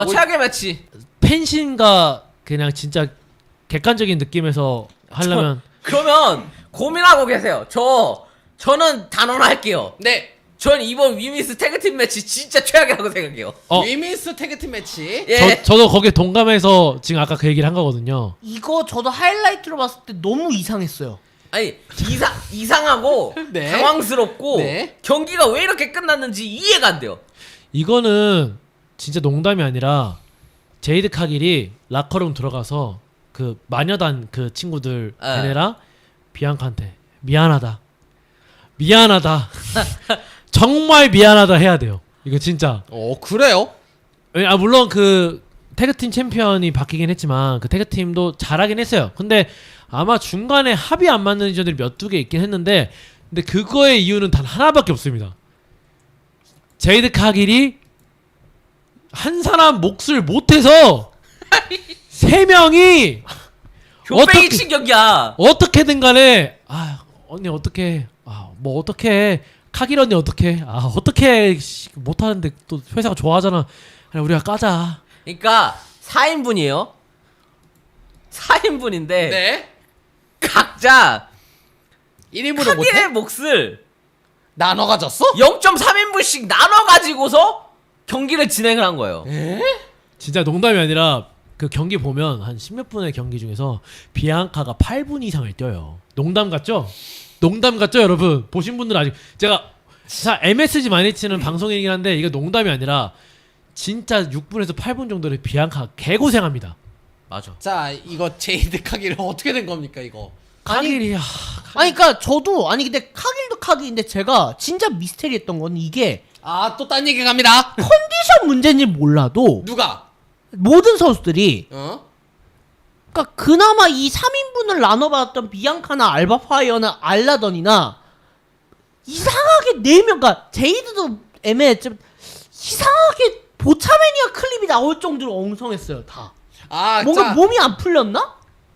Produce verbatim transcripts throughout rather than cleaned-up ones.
아, 최악의 매치. 펜신과 그냥 진짜 객관적인 느낌에서 하려면 저, 그러면 고민하고 계세요. 저 저는 단언할게요. 네. 전 이번 위미스 태그팀 매치 진짜 최악이라고 생각해요. 어. 위민스 태그팀 매치. 예. 저, 저도 거기에 동감해서 지금 아까 그 얘기를 한 거거든요. 이거 저도 하이라이트로 봤을 때 너무 이상했어요. 아니 이상 이상하고 네. 당황스럽고 네. 경기가 왜 이렇게 끝났는지 이해가 안 돼요. 이거는 진짜 농담이 아니라 제이드 카길이 라커룸 들어가서 그 마녀단 그 친구들 에. 걔네랑 비앙카한테 미안하다 미안하다 정말 미안하다 해야 돼요. 이거 진짜. 어 그래요? 아 물론 그 태그팀 챔피언이 바뀌긴 했지만 그 태그팀도 잘하긴 했어요. 근데 아마 중간에 합이 안 맞는 인전들이 몇 두 개 있긴 했는데 근데 그거의 이유는 단 하나밖에 없습니다. 제이드 카길이 한 사람 몫을 못해서 세 명이 교배기 친 경기야. 어떻게든 간에 아 언니 어떻게 아뭐 어떻게 카길 언니 어떻게 아 어떻게 못하는데 또 회사가 좋아하잖아. 그냥 우리가 까자. 그러니까 사 인분이에요. 사 인분인데 네. 각자 일 인분을 카길의 못해? 몫을 나눠 가졌어? 영 점 삼 인분씩 나눠 가지고서 경기를 진행을 한 거예요. 에? 진짜 농담이 아니라 그 경기 보면 한 십몇 분의 경기 중에서 비앙카가 팔 분 이상을 뛰어요. 농담 같죠? 농담 같죠, 여러분? 보신 분들은 아직 제가 자 엠에스지 많이 치는 방송이긴 한데 이거 농담이 아니라 진짜 육 분에서 팔 분 정도를 비앙카 개고생합니다. 맞아. 자 이거 제이드 카기를 어떻게 된 겁니까 이거? 카길이 아, 아니 그니까 저도 아니 근데 카길도 카길인데 제가 진짜 미스테리했던 건 이게 아 또 딴 얘기 갑니다. 컨디션 문제인지 몰라도 누가? 모든 선수들이 어? 그러니까 그나마 이 삼 인분을 나눠받았던 비앙카나 알바파이어나 알라던이나 이상하게 네 명, 그러니까 제이드도 애매했지만 이상하게 보차매니아 클립이 나올 정도로 엉성했어요 다. 아 뭔가 자, 몸이 안 풀렸나?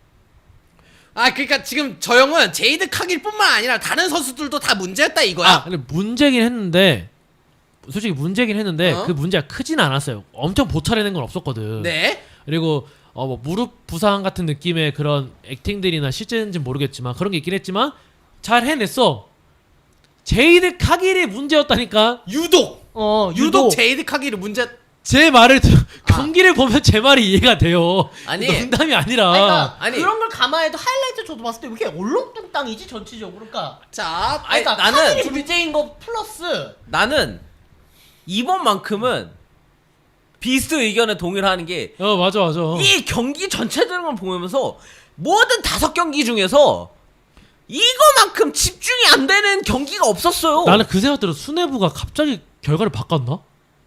아 그러니까 지금 저 형은 제이드 카길뿐만 아니라 다른 선수들도 다 문제였다 이거야. 아 근데 문제긴 했는데 솔직히 문제긴 했는데 어? 그 문제가 크진 않았어요. 엄청 보차내는 건 없었거든. 네. 그리고 어 뭐 무릎 부상 같은 느낌의 그런 액팅들이나 실제인지는 모르겠지만 그런 게 있긴 했지만 잘 해냈어. 제이드 카길이 문제였다니까. 유독 어 유독 제이드 카길이 문제. 제 말을 들, 경기를 보면 제 말이 이해가 돼요. 아니. 농담이 아니라. 아니, 그러니까 아니. 그런 걸 감안해도 하이라이트 저도 봤을 때 왜 이렇게 얼렁뚱땅이지 전체적으로. 그러니까 자 아니, 그러니까 나는 카길이 좀- 문제인 거 플러스 나는 이번만큼은 비스트 의견에 동의를 하는 게 이 어 맞아 맞아. 경기 전체적으로 보면서 모든 다섯 경기 중에서 이거만큼 집중이 안 되는 경기가 없었어요. 나는 그 생각 들어. 수뇌부가 갑자기 결과를 바꿨나?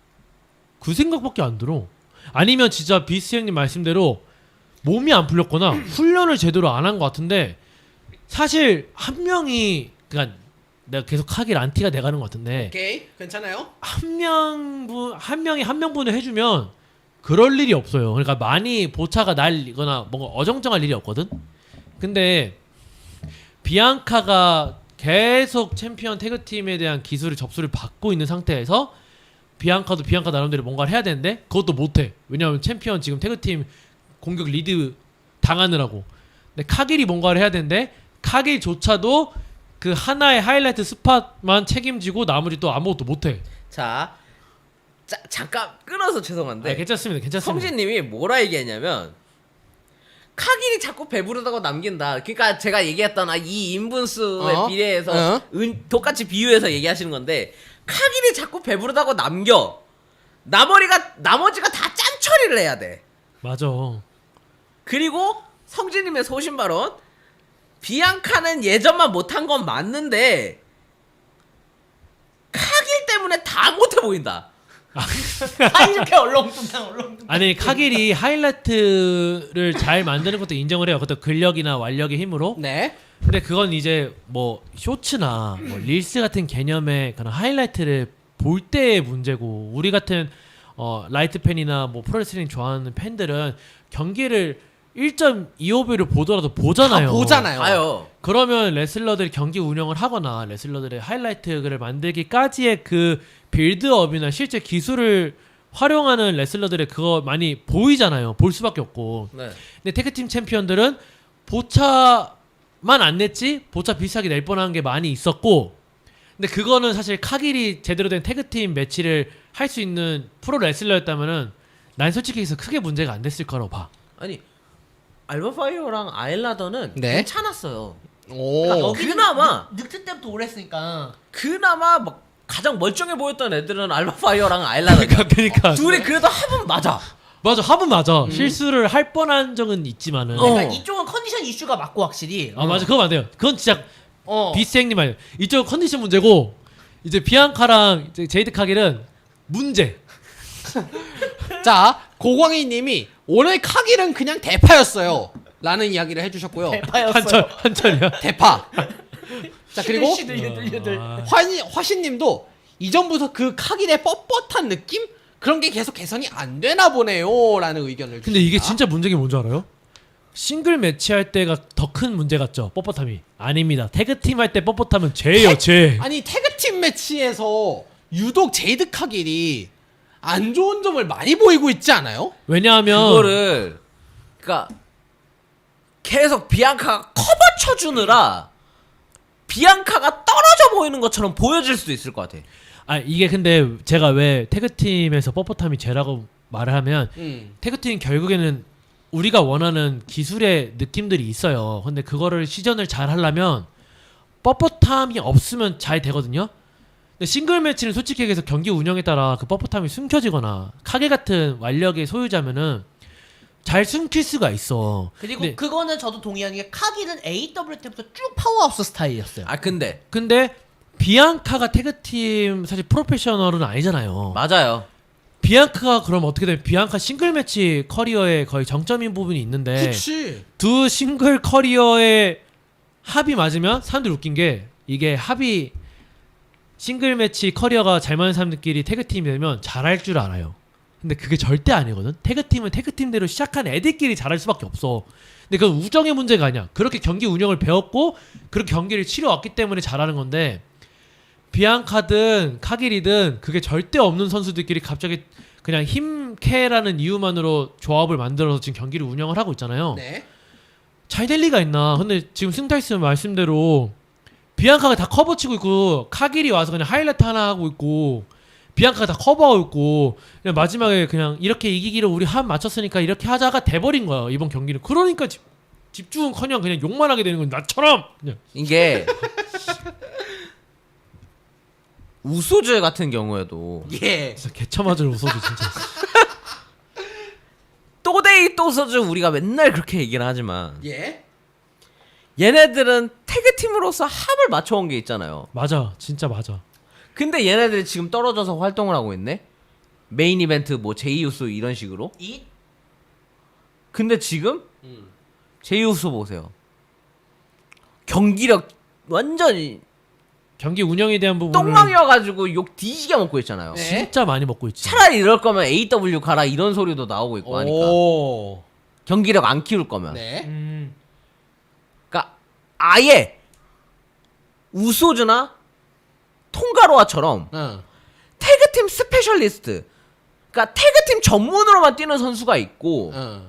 그 생각밖에 안 들어. 아니면 진짜 비스 형님 말씀대로 몸이 안 풀렸거나 훈련을 제대로 안 한 것 같은데 사실 한 명이 그러니까 내가 계속 하길 안티가 돼가는 것 같은데 오케이 괜찮아요. 한 명분 한 명이 한 명분을 해주면 그럴 일이 없어요. 그러니까 많이 보차가 날리거나 뭔가 어정쩡할 일이 없거든. 근데 비앙카가 계속 챔피언 태그팀에 대한 기술을 접수를 받고 있는 상태에서 비앙카도 비앙카 나름대로 뭔가를 해야 되는데 그것도 못해. 왜냐하면 챔피언 지금 태그팀 공격 리드 당하느라고. 근데 카길이 뭔가를 해야 되는데 카길조차도 그 하나의 하이라이트 스팟만 책임지고 나머지 또 아무것도 못해. 자, 자 잠깐 끊어서 죄송한데 아, 괜찮습니다. 괜찮습니다. 성진님이 뭐라 얘기했냐면 카길이 자꾸 배부르다고 남긴다. 그러니까 제가 얘기했던 아, 이 인분수에 어? 비례해서 어? 은, 똑같이 비유해서 얘기하시는 건데 카길이 자꾸 배부르다고 남겨. 나머지가 나머지가 다 짠 처리를 해야 돼. 맞아. 그리고 성진님의 소신 발언. 비앙카는 예전만 못한 건 맞는데 카길 때문에 다 못해 보인다. 아 이렇게 얼렁뚱땅 얼렁뚱땅. 아니 카길이 하이라이트를 잘 만드는 것도 인정을 해요. 그것도 근력이나 완력의 힘으로. 네. 근데 그건 이제 뭐 쇼츠나 뭐 릴스 같은 개념의 그런 하이라이트를 볼 때의 문제고 우리 같은 어 라이트 팬이나 뭐 프로레슬링 좋아하는 팬들은 경기를 일 점 이오 배를 보더라도 보잖아요. 다 보잖아요. 아요. 그러면 레슬러들이 경기 운영을 하거나 레슬러들의 하이라이트를 만들기까지의 그 빌드업이나 실제 기술을 활용하는 레슬러들의 그거 많이 보이잖아요. 볼 수밖에 없고. 네. 근데 태그팀 챔피언들은 보차만 안 냈지 보차 비슷하게 낼 뻔한 게 많이 있었고, 근데 그거는 사실 카길이 제대로 된 태그팀 매치를 할 수 있는 프로 레슬러였다면은 난 솔직히 해서 크게 문제가 안 됐을 거라고 봐. 아니 알바파이어랑 아일라더는 네. 괜찮았어요. 오. 그러니까 여기는 그나마 늑- 늑트 때부터 오래 했으니까. 그나마 막 가장 멀쩡해 보였던 애들은 알바파이어랑 아일라더. 그러니까 그러니까 둘이 그래도 합은 맞아. 맞아, 합은 맞아. 실수를 할 뻔한 적은 있지만은. 어. 그러니까 이쪽은 컨디션 이슈가 맞고 확실히. 아 맞아, 그거 맞아요. 그건 진짜 어. 비스행님 말이에요. 이쪽 컨디션 문제고 이제 비앙카랑 이제 제이드 카길은 문제. 자, 고광희님이 오늘 카길은 그냥 대파였어요. 라는 이야기를 해주셨고요. 대파였어요. 한철 한철이야. 대파. 자, 그리고 유들 유들 유들. 아, 화신, 화신님도 이전부터 그 카길의 뻣뻣한 느낌? 그런 게 계속 개선이 안 되나 보네요. 라는 의견을 근데 이게 주십니다. 진짜 문제가 뭔지 알아요? 싱글 매치 할 때가 더 큰 문제 같죠? 뻣뻣함이. 아닙니다. 태그팀 할 때 뻣뻣함은 죄예요, 죄. 아니 태그팀 매치에서 유독 제이드 카길이 안 좋은 점을 많이 보이고 있지 않아요? 왜냐하면 그거를 그러니까 계속 비앙카가 커버 쳐주느라 비앙카가 떨어져 보이는 것처럼 보여질 수도 있을 것 같아. 아 이게 근데 제가 왜 태그팀에서 뻣뻣함이 죄라고 말을 하면 음. 태그팀 결국에는 우리가 원하는 기술의 느낌들이 있어요. 근데 그거를 시전을 잘 하려면 뻣뻣함이 없으면 잘 되거든요. 근데 싱글 매치는 솔직히 얘기해서 경기 운영에 따라 그 뻣뻣함이 숨겨지거나 카게 같은 완력의 소유자면은 잘 숨길 수가 있어. 그리고 근데, 그거는 저도 동의하는 게 카길은 에이더블유 때부터 쭉 파워하우스 스타일이었어요. 아 근데 근데 비앙카가 태그팀 사실 프로페셔널은 아니잖아요. 맞아요. 비앙카가 그럼 어떻게 되면 비앙카 싱글 매치 커리어의 거의 정점인 부분이 있는데 그치. 두 싱글 커리어의 합이 맞으면 사람들이 웃긴 게 이게 합이 싱글 매치 커리어가 잘 맞는 사람들끼리 태그팀이 되면 잘할 줄 알아요. 근데 그게 절대 아니거든. 태그팀은 태그팀대로 시작한 애들끼리 잘할 수밖에 없어. 근데 그건 우정의 문제가 아니야. 그렇게 경기 운영을 배웠고 그렇게 경기를 치러왔기 때문에 잘하는 건데 비앙카든 카길이든 그게 절대 없는 선수들끼리 갑자기 그냥 힘캐라는 이유만으로 조합을 만들어서 지금 경기를 운영을 하고 있잖아요. 네. 잘 될 리가 있나. 근데 지금 승타이스 말씀대로 비앙카가 다 커버 치고 있고 카길이 와서 그냥 하이라이트 하나 하고 있고 비앙카가 다 커버하고 있고 그냥 마지막에 그냥 이렇게 이기기를 우리 한 맞췄으니까 이렇게 하자가 돼버린 거야 이번 경기는. 그러니까 집, 집중은커녕 그냥 욕만 하게 되는 건 나처럼 그냥. 이게 우소즈 같은 경우에도 예. 진짜 개처맞을 웃어도 진짜. 또데이 또소즈 우리가 맨날 그렇게 얘기를 하지만 예. 얘네들은 태그팀으로서 합을 맞춰온 게 있잖아요. 맞아, 진짜 맞아. 근데 얘네들이 지금 떨어져서 활동을 하고 있네. 메인 이벤트 뭐 제이우소 이런 식으로. 이 근데 지금 음. 제이우소 보세요. 경기력 완전히 경기 운영에 대한 부분을 똥망이어가지고 욕 뒤지게 먹고 있잖아요. 네. 진짜 많이 먹고 있지. 차라리 이럴 거면 에이더블유 가라 이런 소리도 나오고 있고 하니까. 오. 경기력 안 키울 거면. 네. 음, 그러니까 아예 우소즈나 통가로아처럼 응. 태그팀 스페셜리스트, 그러니까 태그팀 전문으로만 뛰는 선수가 있고 응.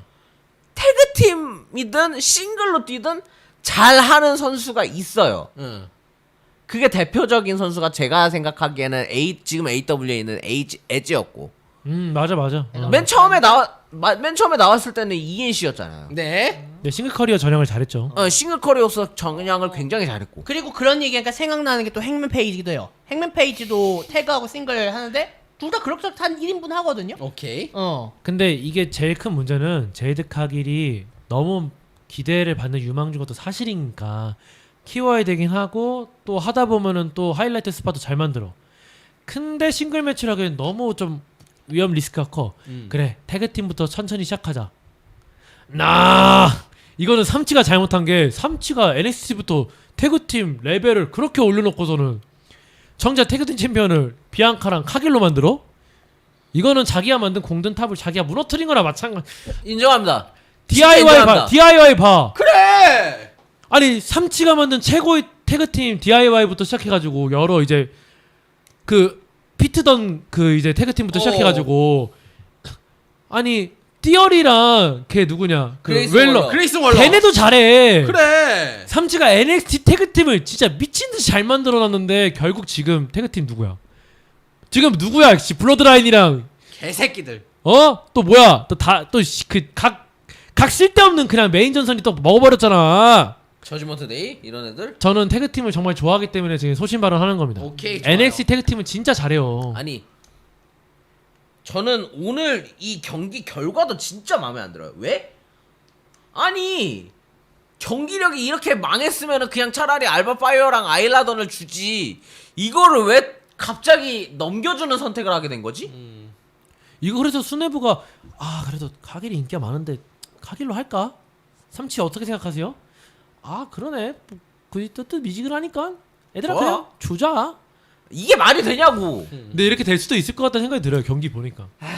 태그팀이든 싱글로 뛰든 잘하는 선수가 있어요. 응. 그게 대표적인 선수가 제가 생각하기에는 A, 지금 에이더블유에 있는 에이지, 에지였고 음 맞아 맞아. 어. 맨 처음에 나와 마, 맨 처음에 나왔을 때는 이엔씨였잖아요. 네. 네, 싱글 커리어 전형을 잘했죠. 어, 싱글 커리어서 정량을 굉장히 잘했고. 그리고 그런 얘기하니까 생각나는 게 또 행맨 페이지기도 해요. 행맨 페이지도 태그하고 싱글 하는데 둘 다 그럭저럭 일 인분 하거든요. 오케이. 어. 근데 이게 제일 큰 문제는 제이드 카길이 너무 기대를 받는 유망주 것도 사실이니까 키워야 되긴 하고 또 하다 보면은 또 하이라이트 스팟도 잘 만들어. 근데 싱글 매치를 하기엔 너무 좀 위험 리스크가 커. 음. 그래 태그팀부터 천천히 시작하자. 나 이거는 삼치가 잘못한 게 삼치가 엔엑스티부터 태그팀 레벨을 그렇게 올려놓고서는 정작 태그팀 챔피언을 비앙카랑 카길로 만들어? 이거는 자기가 만든 공든 탑을 자기가 무너뜨린 거나 마찬가지. 인정합니다. 디아이와이 봐, 인정합니다. 디아이와이 봐. 그래. 아니 삼치가 만든 최고의 태그팀 디아이와이부터 시작해가지고 여러 이제 그 피트던 그 이제 태그팀부터 어. 시작해가지고 아니 띠어리랑 걔 누구냐 그 그레이스 웰러 월러. 그레이스 월러. 걔네도 잘해. 그래. 삼치가 엔엑스티 태그팀을 진짜 미친듯이 잘 만들어놨는데 결국 지금 태그팀 누구야? 지금 누구야? 씨 블러드라인이랑 개새끼들. 어? 또 뭐야? 또 다 또 그 각 각 쓸데없는 그냥 메인 전선이 또 먹어버렸잖아. 저지먼트 데이 이런 애들. 저는 태그팀을 정말 좋아하기 때문에 지금 소신 발언하는 겁니다. 오케이. 좋아요. 엔엑스티 태그팀은 진짜 잘해요. 아니 저는 오늘 이 경기 결과도 진짜 마음에 안 들어요. 왜? 아니 경기력이 이렇게 망했으면 그냥 차라리 알바파이어랑 아일라던을 주지 이거를 왜 갑자기 넘겨주는 선택을 하게 된 거지? 이거 그래서 수뇌부가 아 그래도 카길이 인기가 많은데 카길로 할까? 삼치 어떻게 생각하세요? 아 그러네 그 뜻뜻 미지근하니까 애들아 좋아. 그냥 주자. 이게 말이 되냐고. 근데 이렇게 될 수도 있을 것 같다는 생각이 들어요. 경기 보니까. 아